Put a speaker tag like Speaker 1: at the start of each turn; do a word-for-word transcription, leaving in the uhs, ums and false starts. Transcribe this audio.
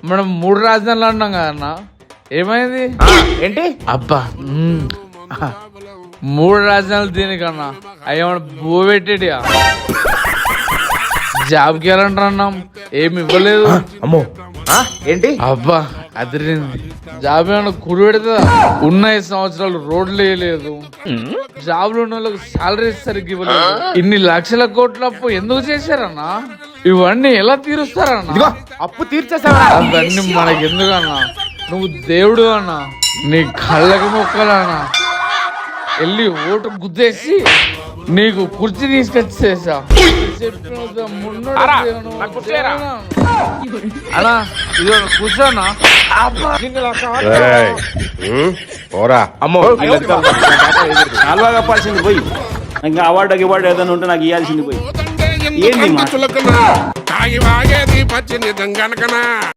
Speaker 1: మనం మూడు రాజధానులు అన్నాం కదన్నా, ఏమైంది?
Speaker 2: ఏంటి?
Speaker 1: అబ్బా మ్మ్. మూడు రాజధానులు దీనికన్నా అయ్యేమన్నా బో పెట్టేటియా? జాబ్కి వెళ్ళంటారు అన్నాం, ఏమి ఇవ్వలేదు.
Speaker 2: అమ్మో ఏంటి?
Speaker 1: అబ్బా అదిరింది. జాబ్ ఏమన్నా కుడి పెడతా? ఉన్న ఐదు సంవత్సరాలు రోడ్లు వేయలేదు, జాబ్లు ఉన్న వాళ్ళకి సాలరీ సరిగ్గా ఇవ్వలేదు. ఇన్ని లక్షల కోట్ల అప్పు ఎందుకు చేశారన్నా? ఇవన్నీ ఎలా తీరుస్తారన్నా?
Speaker 2: అప్పు తీర్చేసావా?
Speaker 1: అవన్నీ మనకి ఎందుకన్నా? నువ్వు దేవుడు అన్నా, నీ కళ్ళకి మొక్కలన్నా. వెళ్ళి ఓటు గుద్దేసి నీకు కుర్చీ తీసుకొచ్చేసా. అన్నా ఇది కూర్చోనా?
Speaker 2: అమ్మో
Speaker 3: కాలువా కప్పాల్సింది పోయి, ఇంకా అవార్డు అవార్డు ఏదైనా ఉంటే నాకు ఇవ్వాల్సింది పోయి. ఏంది
Speaker 4: తాగి వాగేది పచ్చి నిజం గనకనా